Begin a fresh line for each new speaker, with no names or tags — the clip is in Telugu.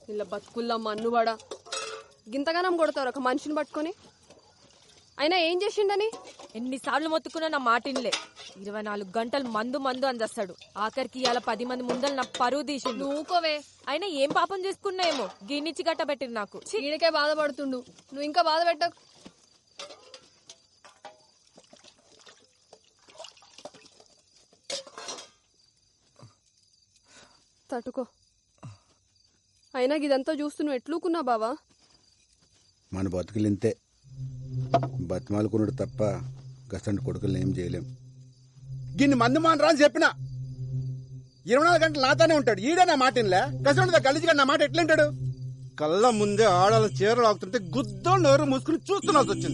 ఇలా బతుకుల్లా మన్నువాడా గింతగానం కొడతారు ఒక మనిషిని పట్టుకొని. అయినా ఏం చేసిండని
ఎన్నిసార్లు మొత్తుకున్నా నా మాటిన్లే. 24 గంటలు మందు మందు అందేస్తాడు. ఆఖరికి ఇవాళ 10 మంది ముందలు నా పరువు తీసిండు.
నువ్వుకోవే.
అయినా ఏం పాపం చేసుకున్నాయేమో గిన్నిచ్చి గట్ట పెట్టింది నాకు.
ఈయనకే బాధపడుతుండు, నువ్వు ఇంకా బాధ పెట్టకు. తట్టుకో. అయినా ఇదంతా చూస్తూ నువ్వు ఎట్లుకున్నా బావా?
మన బతుకులు ఇంతే, బతిమాలుకున్నాడు తప్ప గసంటి కొడుకులను ఏం చేయలేం. గిన్ని మందు మానరా అని చెప్పిన 24 గంటలు నాతోనే ఉంటాడు. ఈడే నా మాట ఇన్లే. గసంటి గలీజిగా నా మాట ఎట్లుంటాడు? కళ్ళ ముందే ఆడాల చీరలు ఆగుతుంటే గుద్దో నోరు మూసుకుని చూస్తున్నాల్సి వచ్చింది.